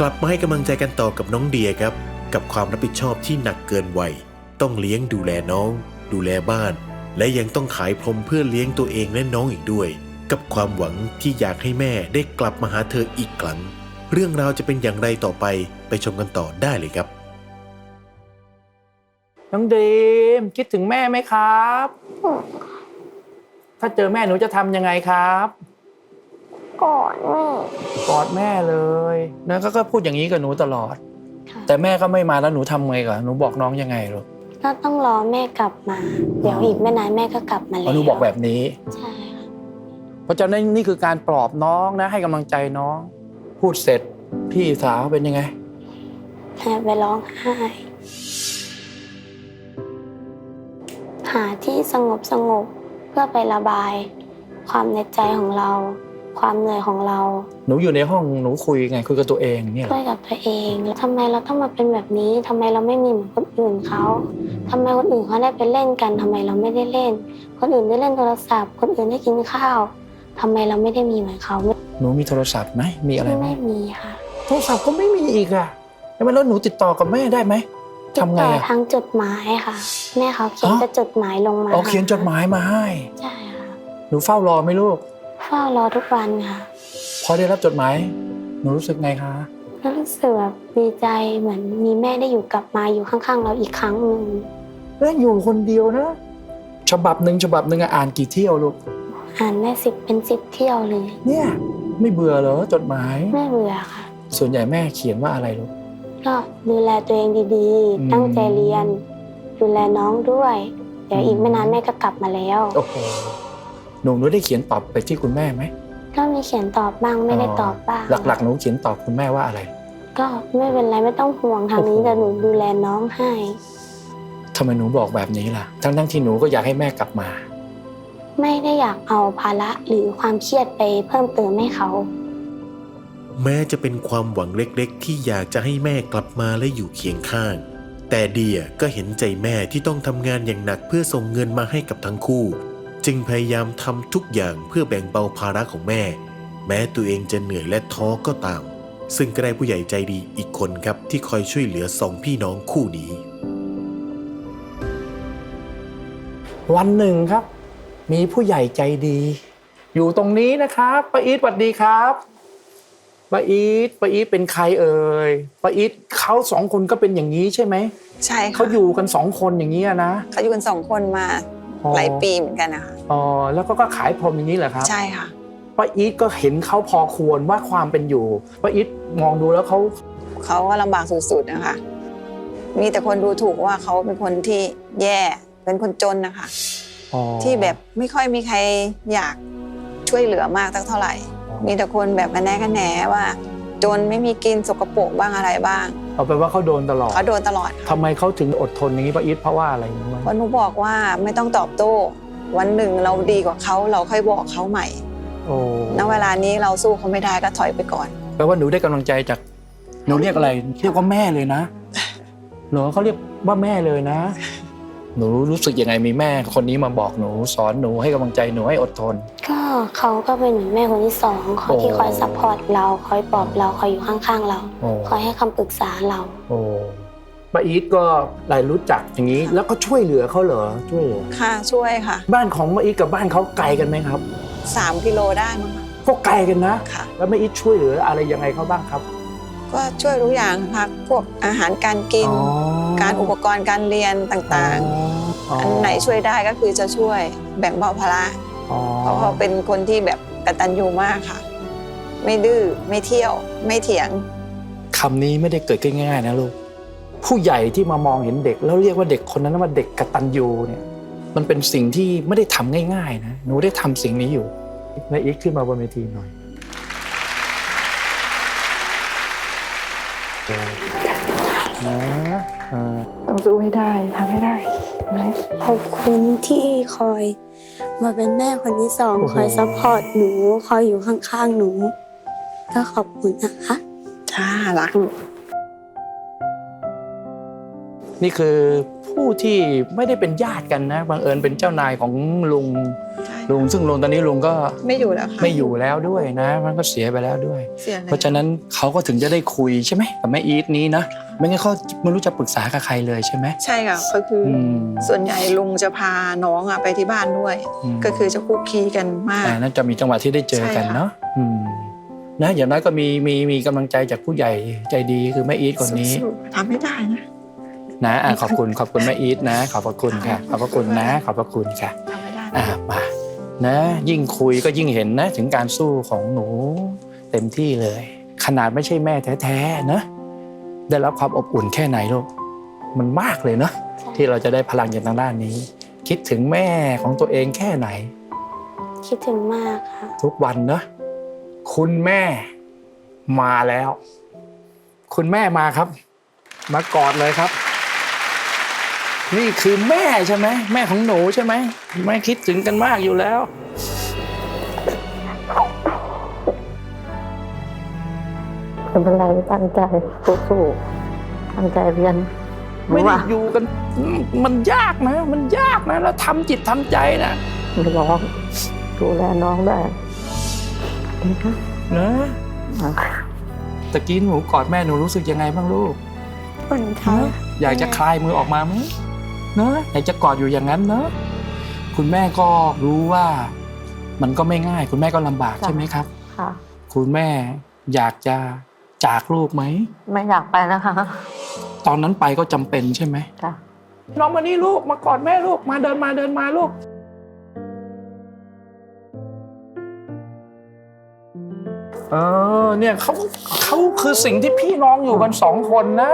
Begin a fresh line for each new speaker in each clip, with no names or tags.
ลับมาให้กำลังใจกันต่อกับน้องเดียครับกับความรับผิดชอบที่หนักเกินวัยต้องเลี้ยงดูแลน้องดูแลบ้านและยังต้องขายพรมเพื่อเลี้ยงตัวเองและน้องอีกด้วยกับความหวังที่อยากให้แม่ได้กลับมาหาเธออีกครั้งเรื่องราวจะเป็นอย่างไรต่อไปชมกันต่อได้เลยครับ
น้องดีมคิดถึงแม่ไหมครับถ้าเจอแม่หนูจะทำยังไงครับ
กอดแม่
กอดแม่เลยนะก็พูดอย่างนี้กับหนูตลอดแต่แม่ก็ไม่มาแล้วหนูทำไงก่อนหนูบอกน้องยังไงลูก
ก็ต้องรอแม่กลับมาเดี๋ยวอีกไม่นานแม่ก็กลับมาแล้ว
หนูบอกแบบนี้
ใช่ค่ะ
เพราะฉะนั้นนี่คือการปลอบน้องนะให้กำลังใจน้องพูดเสร็จพี่สาวเป็นยังไง
ไปร้องไห้หาที่สงบเพื่อไประบายความในใจของเราความเหนื่อยของเรา
หนูอยู่ในห้องหนูคุยไงคุยกับตัวเองเนี่ย
คุยกับตัวเองแล้วทำไมเราต้องมาเป็นแบบนี้ทำไมเราไม่มีเหมือนคนอื่นเขาทำไมคนอื่นเขาได้ไปเล่นกันทำไมเราไม่ได้เล่นคนอื่นได้เล่นโทรศัพท์คนอื่นได้กินข้าวทำไมเราไม่ได้มีเหมือนเขา
หนูมีโทรศัพท์ไหมมีอะไรไหม
ไม่มีค่ะ
โทรศัพท์ก็ไม่มีอีกอ่ะแล้วหนูติดต่อกับแม่ได้ไหม
ทำไงทางจดหมายค่ะแม่เขาเขียนจดหมายลงมา
เขียนจดหมายมาให้
ใช่ค่ะ
หนูเฝ้ารอไหมลูก
เฝ้ารอทุกวันค่ะ
พอได้รับจดหมายหนูรู้สึกไงคะ
รู้สึกแบบดีใจเหมือนมีแม่ได้อยู่กลับมาอยู่ข้างๆเราอีกครั้งหนึ่ง
แล้วอยู่คนเดียวนะฉบับหนึ่งอ่านกี่เที่ยวลูก
อ่านได้เป็น10 เที่ยวเลย
เนี่ยไม่เบื่อเหรอจดหมาย
ไม่เบื่อค่ะ
ส่วนใหญ่แม่เขียนว่าอะไรลูก
ก็ดูแลตัวเองดีๆตั้งใจเรียนดูแลน้องด้วยเดี๋ยวอีกไม่นานแม่ก็กลับมาแล้ว
โอ้โหหนูได้เขียนตอบไปที่คุณแม่ไหม
ก็มีเขียนตอบบ้างไม่ได้ตอบบ้าง
หลักๆหนูเขียนตอบคุณแม่ว่าอะไร
ก็ไม่เป็นไรไม่ต้องห่วงทางนี้แต่หนูดูแลน้องให้
ทำไมหนูบอกแบบนี้ล่ะทั้งที่หนูก็อยากให้แม่กลับมา
ไม่ได้อยากเอาภาระหรือความเครียดไปเพิ่มเติมให้เขา
แม้จะเป็นความหวังเล็กๆที่อยากจะให้แม่กลับมาและอยู่เคียงข้างแต่เดียก็เห็นใจแม่ที่ต้องทำงานอย่างหนักเพื่อส่งเงินมาให้กับทั้งคู่จึงพยายามทำทุกอย่างเพื่อแบ่งเบาภาระของแม่แม้ตัวเองจะเหนื่อยและท้อก็ตามซึ่งก็ได้ผู้ใหญ่ใจดีอีกคนครับที่คอยช่วยเหลือ2 พี่น้องคู่นี้
วันหนึ่งครับมีผู้ใหญ่ใจดีอยู่ตรงนี้นะครับป้าอีทสวัสดีครับป้าอีทเป็นใครเอ่ยป้าอีทเขา2 คนก็เป็นอย่างนี้ใช่ไหม
ใช่ค่ะ
เขาอยู่กัน2 คนอย่างนี้นะ
เขาอยู่กัน2 คนมาหลายปีเหมือนกันนะคะ
แล้วก็ขายพรมอย่างนี้เหรอครับ
ใช่ค่ะ
ป้าอีทก็เห็นเขาพอควรว่าความเป็นอยู่ป้าอีทมองดูแล้วเขา
ก็ลำบากสุดๆนะคะมีแต่คนดูถูกว่าเขาเป็นคนที่แย่เป็นคนจนนะคะที่แบบไม่ค่อยมีใครอยากช่วยเหลือมากเท่าไหร่มีแต่คนแบบแนะว่าจนไม่มีกินสกปรกบ้างอะไรบ้าง
เอาเป็นว่าเขาโดนตลอดทำไมเขาถึงอดทนอย่างนี้ป้าอีทเพราะว่าอะไร
เพราะหนูบอกว่าไม่ต้องตอบโต้วันหนึ่งเราดีกว่าเขาเราค่อยบอกเขาใหม่ณเวลานี้เราสู้เขาไม่ได้ก็ถอยไปก่อน
แปลว่าหนูได้กำลังใจจากหนูเรียกอะไรเรียกว่าแม่เลยนะหนูเขาเรียกว่าแม่เลยนะหนูรู้สึกยังไงมีแม่คนนี้มาบอกหนูสอนหนูให้กำลังใจหนูให้อดทน
ก็เขาก็เป็นเหมือนแม่คนที่2เขาที่คอยซัพพอร์ตเราคอยปลอบเราคอยอยู่ข้างๆเราคอยให้คำปรึกษาเรา
ป้าอีทก็ได้รู้จักอย่างนี้แล้วก็ช่วยเหลือเขาเหรอช่วย
ค่ะช่วยค่ะ
บ้านของป้าอีทกับบ้านเขาไกลกันไหมครับ
3 กิโลได้มั้งค่ะ
ก็ไกลกันนะ
ค่ะ
แล้วป้าอีทช่วยเหลืออะไรยังไงเขาบ้างครับ
ก็ช่วยทุกอย่างค่ะพวกอาหารการกินการอุปกรณ์การเรียนต่างๆอันไหนช่วยได้ก็คือจะช่วยแบ่งเบาภาระเพราะเขาเป็นคนที่แบบกตัญญูมากค่ะไม่ดื้อไม่เที่ยวไม่เถียง
คำนี้ไม่ได้เกิดง่ายๆนะลูกผู้ใหญ่ที่มามองเห็นเด็กแล้วเรียกว่าเด็กคนนั้นว่าเด็กกตัญญูเนี่ยมันเป็นสิ่งที่ไม่ได้ทำง่ายๆนะหนูได้ทำสิ่งนี้อยู่นายอีกขึ้นมาบนเวทีหน่อย
ต้องสู้ให้ได้ทำให้ได้
ขอบคุณที่คอยมาเป็นแม่คนที่2คอยซัพพอร์ตหนูคอยอยู่ข้างๆหนูก็ขอบคุณนะคะ
จ้ารัก
นี่คือผผู้ที่ไม่ได้เป็นญาติกันนะบังเอิญเป็นเจ้านายของลุง
ใช่
ลุงซึ่งลุงตอนนี้ลุงก็
ไม่อยู่แล้วค่ะ
ไม่อยู่แล้วด้วยนะ มันก็เสียไปแล้วด้วย
เสียเลย
เพราะฉะนั้นเขาก็ถึงจะได้คุยใช่ไหมกับแม่อีทนี้นะไม่งั้นเขาไม่รู้จะปรึกษากับใครเลยใช่ไหม
ใช่ค่ะก็คืออ
ม
ส่วนใหญ่ลุงจะพาน้องไปที่บ้านด้วย
อืม
ก็คือจะคุกคีกันมาก
นั่นจะมีจังหวะที่ได้เจอกัน
ใช่ค่ะ
เนาะนะอย่างน้อยก็มีกำลังใจจากผู้ใหญ่ใจดีคือแม่อีทคนนี้
สู้ๆทำไม่ได้นะ
นะขอบคุณแม่อีทนะขอบพระคุณค่ะขอบพระคุณนะขอบพระคุณค่ะ
ทำไม่ได้นะ
มานะยิ่งคุยก็ยิ่งเห็นนะถึงการสู้ของหนูเต็มที่เลย ขนาดไม่ใช่แม่แท้ๆนะได้รับความอบอุ่นแค่ไหนลูกมันมากเลยเนาะที่เราจะได้พลังจากทางด้านนี้ คิดถึงแม่ของตัวเองแค่ไหน
คิดถึงมากค่ะ
ทุกวันนะคุณแม่มาแล้ว คุณแม่มาครับ มากอดเลยครับ นี่คือแม่ใช่ไหมแม่ของหนูใช่ไหมแม่คิดถึงกันมากอยู่แล้ว
ไม่เป็นไรตั้งใจสู้ๆตั้งใจเรียน
ไม่ได้อยู่กันมันยากนะ มันยากนะแล้วทำจิตทำใจนะ
ร้องดูแลน้องได้นะคะ
นะตะกี้หนูกอดแม่หนูรู้สึกยังไงบ้างลูก
อุ่นค่ะ
อยากจะคลายมือออกมาไหมเนอะอยากจะกอดอยู่อย่างนั้นเนอะคุณแม่ก็รู้ว่ามันก็ไม่ง่าย คุณแม่ก็ลำบากใช่ไหมครับ
ค่ะ
คุณแม่อยากจะจากลูกไหม
ไม่อยากไปแล้วค่ะ
ตอนนั้นไปก็จำเป็นใช่ไหม
ค่ะ
น้องมานี่ลูกมากอดแม่ลูกมาเดินมาลูกเนี่ยเขาคือสิ่งที่พี่น้องอยู่กัน2 คนนะ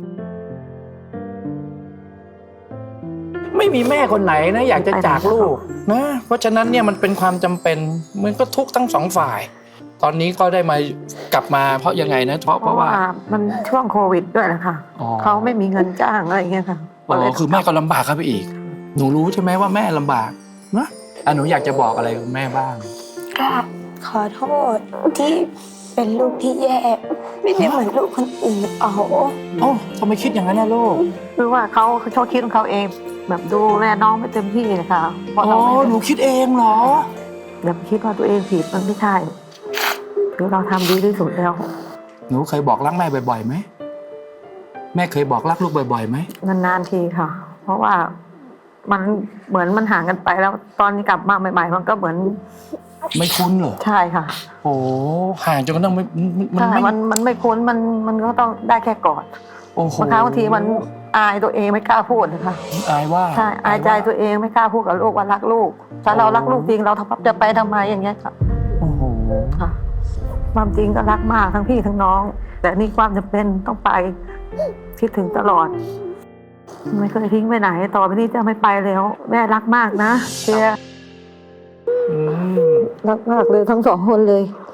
ไม่มีแม่คนไหนนะอยากจะจากลูกนะเพราะฉะนั้นเนี่ยมันเป็นความจำเป็นมันก็ทุกข์ทั้ง2 ฝ่าย ตอนนี้ก็ได้มากลับมาเพราะยังไงนะเพราะว่า
มันช่วงโควิดด้วยนะคะ
อ๋อ
เขาไม่มีเงินจ้างอะไรอย่างเงี้ยค่ะ
อ๋อคือแม่ก็ลำบากครับไปอีก หนูรู้ใช่ไหมว่าแม่ลำบากนะหนูอยากจะบอกอะไรกับแม่บ้าง
ก็ขอโทษที่เป็นลูกที่แย่ไม่ได้เหมือนลูกคนอื่นเอา
โอ้ทำไมคิดอย่างนั้นนะลูก
คือว่าเขาคิดของเขาเองแบบดูแลน้องไม่เต็มที่นะคะเพราะ
อ๋
เรา
อ
ไม่
หนูคิดเองเหรอ
แบบคิดว่าตัวเองผิดมันไม่ใช่คือเราทำดีที่สุดแล้ว
หนูเคยบอกรักแม่บ่อยๆไหมแม่เคยบอกรักลูกบ่อยๆไหม
นานๆทีค่ะ เพราะว่ามันเหมือนมันห่างกันไปแล้วตอนนี้กลับมาใหม่ๆมันก็เหมือน
ไม่คุ้นเหรอ
ใช่ค่ะ
โอ้ห่างจนกระทั่งมัน
ใช่
ไม่
มันไม่คุ้นมันก็ต้องได้แค่กอด
โอ้โห
บางครั้งบางทีมันอายตัวเองไม่กล้าพูดนะคะ
อายว่า
ใช่อายใจตัวเองไม่กล้าพูดกับลูกว่ารักลูกถ้าเรารักลูกจริงเราจะไปทำไมอย่างเงี้ยค่ะ
โอ้โห
ค่ะ ความจริงก็รักมากทั้งพี่ทั้งน้อง แต่นี่ความจำเป็นต้องไปคิดถึงตลอด ไม่เคยทิ้งไปไหนต่อไปนี้จะไม่ไปแล้ว แม่รักมากนะเชียร์
อืม
รักมากเลยทั้ง2 คนเลย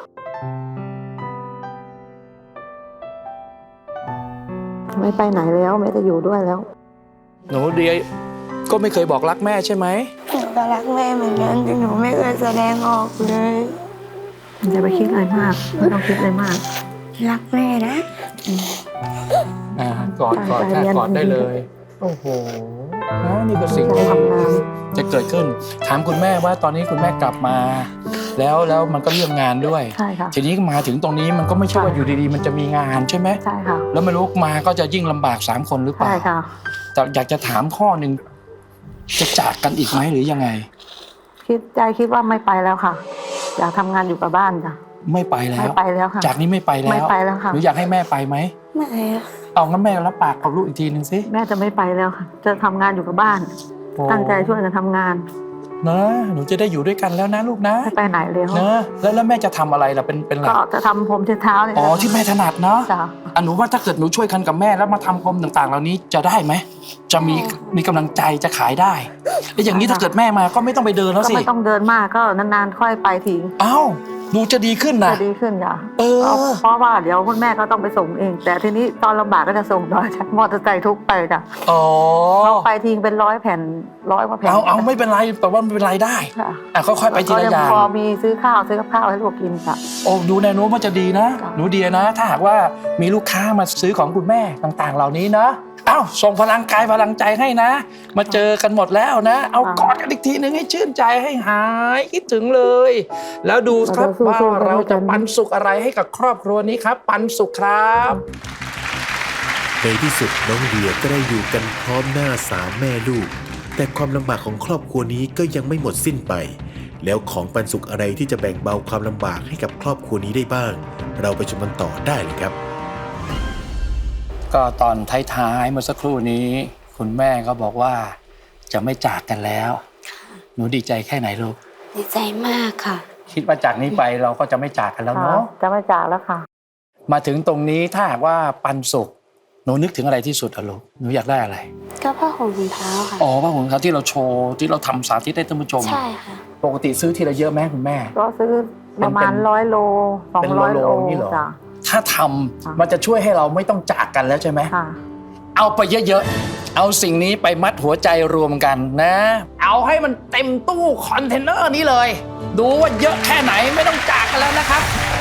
ไม่ไปไหนแล้วแม่จะอยู่ด้วยแล้ว
หนูเดียก็ไม่เคยบอกรักแม่ใช่ไหม
หนูก็รักแม่เหมือนกันแต่หนูไม่เคยแสดงออกเลย
อย่าไปคิดอะไรมากไม่ต้องคิดอะไรมาก
รักแม่นะ
กอด
ตั้งใจ
แค่
เรียน
กอดได้เลย โอ้โหนี่คือสิ่ง
ตั้งใจ
ที่
ทำงาน
จะเกิดขึ้น ถามคุณแม่ว่าตอนนี้คุณแม่กลับมา แล้วมันก็เรื่องงานด้วย
ใช่ค่ะ
ทีนี้มาถึงตรงนี้มันก็ไม่ใช่ว่าอยู่ดีๆ มันจะมีงานใช่ไหม
ใช่ค่ะ
แล้วไม่รู้มาก็จะยิ่งลำบาก3 คนหรือเปล่า
ใช่ค่ะ
แต่อยากจะถามข้อหนึ่งจะจากกันอีกไหมหรือยังไง
คิดว่าไม่ไปแล้วค่ะ อยากทำงานอยู่กับบ้านจ้ะ
ไม่ไปแล้
ไม่
ว
ไปแล้วค่ะ
จากนี้ไม่ไปแล้ว
ไม่ไปแล้วค่ะ
หนูอยากให้แม่ไปไหม
ไม่อะ
เอางั้นแม่รับปากกับลูกอีกทีหนึ่งสิ
แม่จะไม่ไปแล้วค่ะ จะทำงานอยู่กับบ้าน ตั้งใจช่วยกันทำงาน
นะหนูจะได้อยู่ด้วยกันแล้วนะลูกนะ
ไม่ไปไหนแล้ว
นะแล้วแม่จะทำอะไรล่ะเป็นหลั
ก็
ก
จะทำผมเช็ดเท้าเนี่ย
อ๋อที่แม่ถนัดเนาะ
จ้ะ
หนูว่าถ้าเกิดหนูช่วยกันกับแม่แล้วมาทำพรมต่างๆ เหล่านี้จะได้ไหมจะมีกำลังใจจะขายได้แล้วอย่างนี้ถ้าเกิดแม่มาก็ไม่ต้องไปเดินแล้ว
ก็
สิ
ไม่ต้องเดินมากก็นานๆค่อยไปที
เอ้าหนูจะดีขึ้นนะ
จะดีขึ้นจ้ะ
เออ
เพราะว่าเดี๋ยวคุณแม่ก็ต้องไปส่งเอง แต่ทีนี้ตอนลำบากก็จะส่งโดยใช้มอเตอร์ไซค์ทุกไปจ้ะ
อ๋อ
เราไปทิ้งเป็น100 แผ่น100 กว่าแผ่น
เอาไม่เป็นไรแต่ว่าไม่เป็นไรได้
ค่ะ
ค่อยๆไปทีละอย่าง
พอมีซื้อข้าวซื้อกับข้าวให้ลูกกินจ้ะ
โอ้ดูแนวโน้มว่าจะดีนะ
จ้ะ
หนูเดียนะ ถ้าหากว่ามีลูกค้ามาซื้อของคุณแม่ต่างๆ เหล่านี้นะเอ้าส่งพลังกายพลังใจให้นะ มาเจอกันหมดแล้วนะ เอากอดกันอีกทีหนึ่งให้ชื่นใจให้หายคิดถึงเลย แล้วดูครับว่าเราจะปันสุขอะไรให้กับครอบครัวนี้ครับ ปันสุขครับ
ในที่สุดน้องเดียก็ได้อยู่กันพร้อมหน้าสามแม่ลูก แต่ความลำบากของครอบครัวนี้ก็ยังไม่หมดสิ้นไป แล้วของปันสุขอะไรที่จะแบ่งเบาความลำบากให้กับครอบครัวนี้ได้บ้าง เราไปชมกันต่อได้เลยครับ
ก็ตอนท้ายๆเมื่อสักครู่นี้ คุณแม่ก็บอกว่าจะไม่จากกันแล้ว หนูดีใจแค่ไหนลูก
ดีใจมากค่ะ
คิดว่าจากนี้ไปเราก็จะไม่จากกันแล้วเนาะ
จะไม่จากแล้วค่ะ
มาถึงตรงนี้ถ้าหากว่าปันสุขหนูนึกถึงอะไรที่สุดอะลูกหนูอยากได้อะไร
ก็ผ้าห่มถุงเท้าค่ะ
อ๋อผ้าห่มเขาที่เราโชว์ที่เราทำสาธิตให้ท่านผู้ชม
ใช่ค่ะ
ปกติซื้อทีละเยอะไหมคุณแม่
ก็ซื้อประมาณ
เป็น
100 โล
เป็น
200 โล
นี่เหรอ
จ้ะ
ถ้าทำมันจะช่วยให้เราไม่ต้องจากกันแล้วใช่ไหม
ค่ะ
เอาไปเยอะๆ เอาสิ่งนี้ไปมัดหัวใจรวมกันนะ เอาให้มันเต็มตู้คอนเทนเนอร์นี้เลย ดูว่าเยอะแค่ไหนไม่ต้องจากกันแล้วนะครับ